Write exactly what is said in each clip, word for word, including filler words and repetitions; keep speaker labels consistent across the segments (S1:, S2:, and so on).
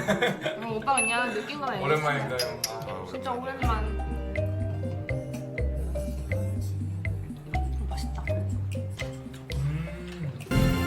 S1: 어, 오빠 그냥 느낀 거만
S2: 오랜만인가요?
S1: 아, 진짜 오랜만. 어, 맛있다.
S2: 음.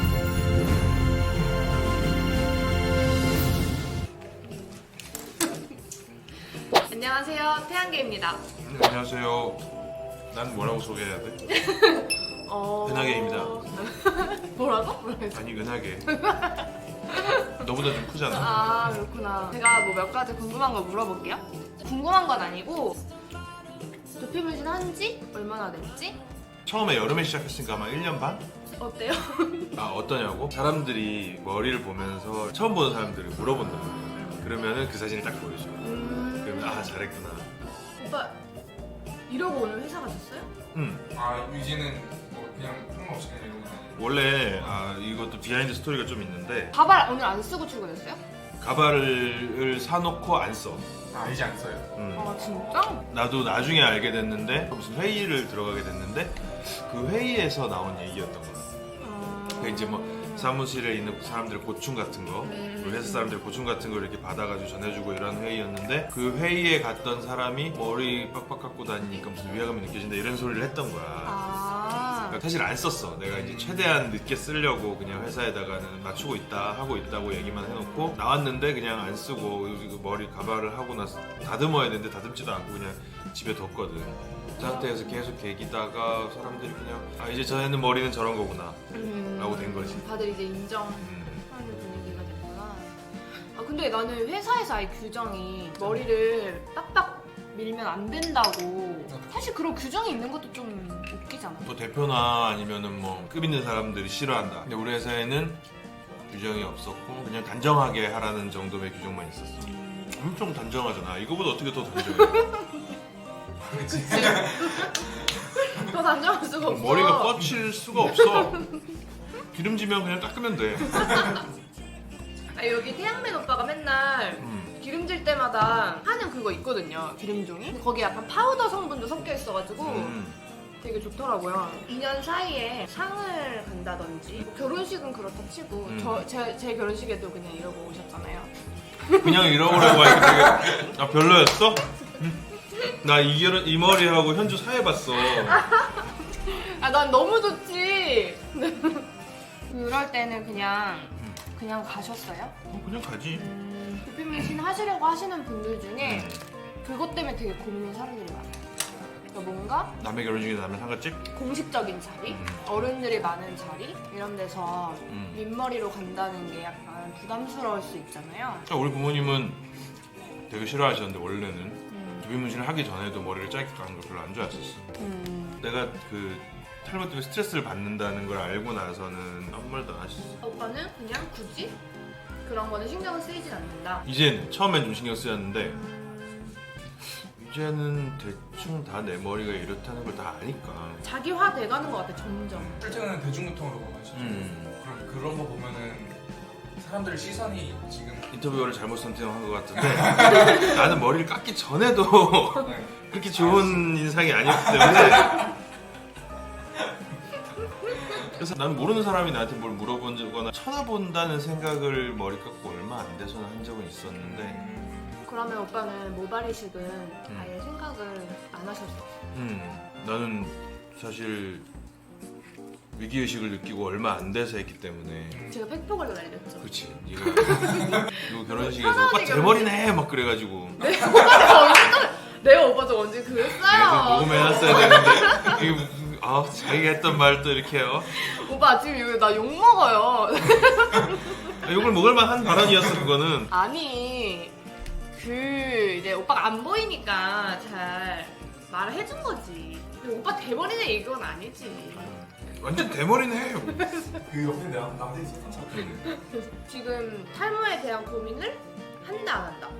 S1: 안녕하세요, 태양계입니다.
S3: 안녕하세요. 난 뭐라고 소개해야 돼?
S1: 어...
S3: 은하계입니다.
S1: 뭐라고? 뭐라고?
S3: 아니 은하계. 너보다 좀 크잖아.
S1: 아 그렇구나. 제가 뭐 몇 가지 궁금한 거 물어볼게요. 궁금한 건 아니고 두피문신 한지 얼마나 됐지?
S3: 처음에 여름에 시작했으니까 아마 일 년 반?
S1: 어때요?
S3: 아 어떠냐고? 사람들이 머리를 보면서 처음 보는 사람들이 물어본단 말이야. 그러면은 그 사진을 딱 보여줘.
S1: 음...
S3: 그러면 아 잘했구나.
S1: 오빠 이러고 오늘 회사 가셨어요?
S3: 응.
S2: 아 유지는 뭐 그냥 상관없이 그냥 이러고 다니는.
S3: 원래 아 이것도 비하인드 스토리가 좀 있는데
S1: 가발 오늘 안 쓰고 출근했어요?
S3: 가발을 사놓고 안 써.
S2: 아 이제 안 써요.
S3: 응.
S1: 아 진짜?
S3: 나도 나중에 알게 됐는데 무슨 회의를 들어가게 됐는데 그 회의에서 나온 얘기였던 거야.
S1: 아...
S3: 그 이제 뭐 사무실에 있는 사람들의 고충 같은 거,
S1: 음.
S3: 우리 회사 사람들의 고충 같은 걸 이렇게 받아가지고 전해주고 이런 회의였는데 그 회의에 갔던 사람이 머리 빡빡 깎고 다니니까 무슨 위화감이 느껴진다 이런 소리를 했던 거야.
S1: 아...
S3: 그러니까 사실 안 썼어. 내가 이제 최대한 늦게 쓰려고 그냥 회사에다가는 맞추고 있다 하고 있다고 얘기만 해놓고 나왔는데 그냥 안 쓰고 머리 가발을 하고 나서 다듬어야 되는데 다듬지도 않고 그냥 집에 뒀거든. 그 상태에서 계속 계기다가 사람들이 그냥 아 이제 저 애는 머리는 저런 거구나
S1: 음...
S3: 라고 된 거지.
S1: 다들 이제 인정하는
S3: 음.
S1: 분위기가 됐구나. 아 근데 나는 회사에서 아예 규정이 머리를 빡빡 밀면 안 된다고. 사실 그런 규정이 있는 것도 좀 웃기잖아.
S3: 또 대표나 아니면은 뭐 급 있는 사람들이 싫어한다. 근데 우리 회사에는 규정이 없었고 그냥 단정하게 하라는 정도의 규정만 있었어. 엄청 단정하잖아. 이거보다 어떻게 더 단정해?
S2: 그렇지.
S1: 더 단정할 수가 없어.
S3: 머리가 뻗칠 수가 없어. 기름지면 그냥 닦으면 돼.
S1: 아, 여기 태양맨 오빠가 맨날
S3: 음.
S1: 기름질 때마다 하는 그거 있거든요. 기름종이. 근데 거기 약간 파우더 성분도 섞여 있어가지고
S3: 음.
S1: 되게 좋더라고요. 이 년 사이에 상을 간다든지 뭐 결혼식은 그렇다 치고
S3: 음.
S1: 저, 제, 제 결혼식에도 그냥 이러고 오셨잖아요.
S3: 그냥 이러고라고 하니까 되게 아 별로였어? 나 이 결혼 이 머리하고 현주 사회봤어.
S1: 아 난 너무 좋지. 그럴 때는 그냥 그냥 가셨어요?
S3: 어, 그냥 가지.
S1: 음, 두피문신 하시려고 하시는 분들 중에
S3: 음.
S1: 그것 때문에 되게 고민인 사람들이 많아요. 그러니까 뭔가
S3: 남의 결혼식에 남의 상가집?
S1: 공식적인 자리,
S3: 음.
S1: 어른들이 많은 자리 이런 데서
S3: 음.
S1: 민머리로 간다는 게 약간 부담스러울 수 있잖아요.
S3: 그러니까 우리 부모님은 되게 싫어하셨는데 원래는
S1: 음.
S3: 두피 문신을 하기 전에도 머리를 짧게 깎는 걸 별로 안 좋아했었어.
S1: 음.
S3: 내가 그 탈모 때문에 스트레스를 받는다는 걸 알고 나서는 아무 말도 안 하셨어.
S1: 오빠는 그냥 굳이 그런 거는 신경을 쓰이진 않는다.
S3: 이제는 처음엔 좀 신경 쓰였는데 이제는 대충 다 내 머리가 이렇다는 걸 다 아니까.
S1: 자기화 돼가는 것 같아 점점.
S2: 실제는 대중교통으로 가시죠.
S3: 음.
S2: 그럼 그런 거 보면은 사람들 시선이 지금
S3: 인터뷰어를 잘못 선택한 것 같은데 나는 머리를 깎기 전에도
S2: 네.
S3: 그렇게 좋은 인상이 아니었기 때문에 그래서 난 모르는 사람이 나한테 뭘 물어보거나 쳐다본다는 생각을 머리 깎고 얼마 안 돼서는 한 적은 있었는데
S1: 그러면 오빠는 모발 이식은 아예 생각을 안 하셨어?
S3: 음, 나는 사실 위기의식을 느끼고 얼마 안 돼서 했기 때문에
S1: 제가 팩폭을 날렸죠.
S3: 그렇지 네가 이거 결혼식에서 오빠 대머리네 막 그래가지고
S1: 내 오빠가 언제 또 내가 오빠 저 언제
S3: 계속
S1: 그랬어요?
S3: 녹음해놨어야 되는데 이거 아 자기가 했던 말 또 이렇게 해요.
S1: 오빠 지금 이거 나 욕 먹어요.
S3: 욕을 먹을만 한 발언이었어 그거는.
S1: 아니 그 이제 오빠가 안 보이니까 잘 말을 해준 거지. 근데 오빠 대머리네 이건 아니지.
S3: 완전 대머리네.
S2: 그 옆에 남 남자 있었죠.
S1: 지금 탈모에 대한 고민을 한다 안 한다?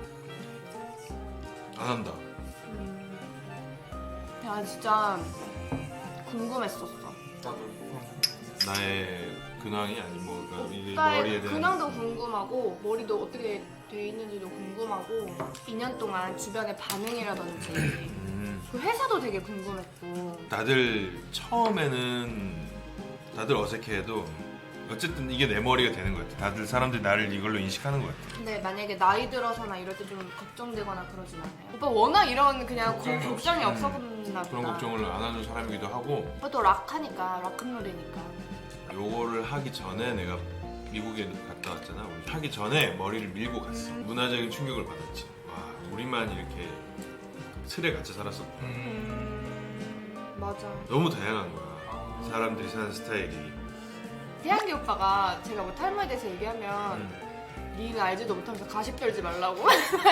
S3: 안 한다.
S1: 음... 야 진짜 궁금했었어.
S2: 나도.
S3: 나의 근황이 아니 뭐 그러니까 이
S1: 오빠의
S3: 머리에 대한
S1: 근황도 궁금하고 머리도 어떻게 돼 있는지도 궁금하고 이 년 동안 주변의 반응이라든지
S3: 음,
S1: 그 회사도 되게 궁금했고.
S3: 다들 처음에는 다들 어색해해도 어쨌든 이게 내 머리가 되는 것 같아. 다들 사람들이 나를 이걸로 인식하는 것 같아.
S1: 근데 만약에 나이 들어서나 이럴 때 좀 걱정되거나 그러진 않아요? 오빠 워낙 이런 그냥 고-
S2: 걱정이
S1: 걱정이
S3: 없어.
S1: 없었나 보다.
S3: 그런 걱정을 안 하는 사람이기도 하고
S1: 오빠 또 락하니까 락큰롤이니까.
S3: 요거를 하기 전에 내가 미국에 갔다 왔잖아. 우리 하기 전에 머리를 밀고 갔어. 문화적인 충격을 받았지. 와, 우리만 이렇게 틀에 갇혀 살았어.
S2: 음.
S1: 음, 맞아.
S3: 너무 다양한 거야. 사람들이 사는 스타일이.
S1: 태양기 오빠가 제가 뭐 탈모에 대해서 얘기하면
S3: 음.
S1: 니는 알지도 못하면서 가십 떨지 말라고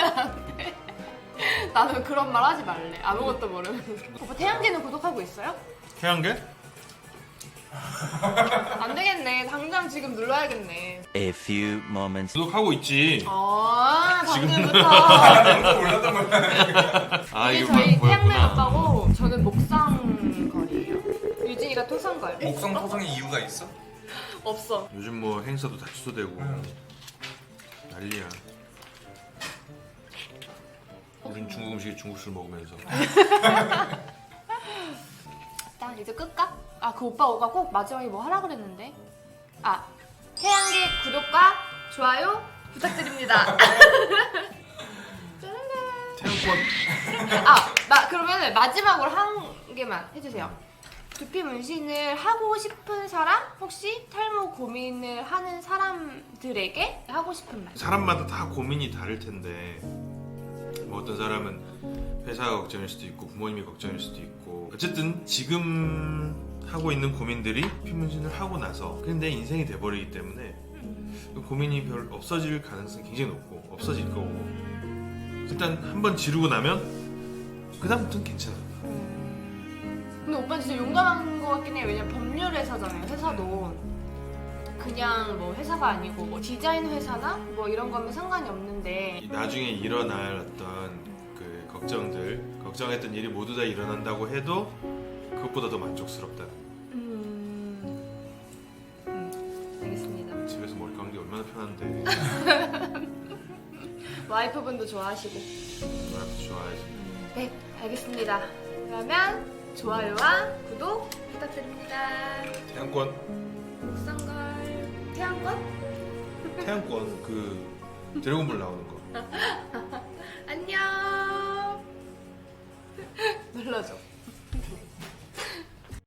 S1: 나는 그런 말 하지 말래. 아무것도 모르면서. 오빠 태양기는 구독하고 있어요?
S3: 태양계?
S1: 안 되겠네. 당장 지금 눌러야겠네.
S4: A few moments.
S3: 구독하고 있지.
S1: 아, 방금부터.
S2: 아무도 몰랐던 거야.
S3: 아
S1: 이게
S3: 이거
S1: 저희
S3: 뭐-
S1: 태양맨
S3: 뭐였구나.
S1: 오빠고 저는 목상걸이에요. 유진이가 토상걸.
S2: 목성 토성의 이유가 있어?
S1: 없어.
S3: 요즘 뭐 행사도 다 취소되고
S2: 응.
S3: 난리야. 우린 중국 음식에 중국술 먹으면서.
S1: 딱 이제 끌까? 아, 그 오빠 오가 꼭 마지막에 뭐 하라 그랬는데. 아, 태양기 구독과 좋아요 부탁드립니다.
S3: 태양권.
S1: 아, 마, 그러면 마지막으로 한 개만 해주세요. 두피 문신을 하고 싶은 사람? 혹시 탈모 고민을 하는 사람들에게 하고 싶은 말.
S3: 사람마다 다 고민이 다를 텐데 뭐 어떤 사람은 회사가 걱정일 수도 있고 부모님이 걱정일 수도 있고 어쨌든 지금 하고 있는 고민들이 피문신을 하고 나서 그냥 내 인생이 돼버리기 때문에 그 고민이 별 없어질 가능성이 굉장히 높고 없어질 거고 일단 한번 지르고 나면 그 다음부터는 괜찮아.
S1: 근데 오빠는 진짜 용감한 것 같긴 해요. 왜냐면 법률 회사잖아요. 회사도 그냥 뭐 회사가 아니고 뭐 디자인 회사나 뭐 이런 거면 상관이 없는데.
S3: 나중에 일어날 어떤 그 걱정들 걱정했던 일이 모두 다 일어난다고 해도 그것보다 더 만족스럽다.
S1: 음, 음 알겠습니다.
S3: 집에서 머리 감는 게 얼마나 편한데.
S1: 와이프분도 좋아하시고.
S3: 나도 좋아해서.
S1: 네, 알겠습니다. 그러면 좋아요와 구독 부탁드립니다.
S3: 태양권.
S1: 목상걸 태양권
S3: 태양권 그 드래곤볼 나오는 거.
S1: 안녕. 눌러줘.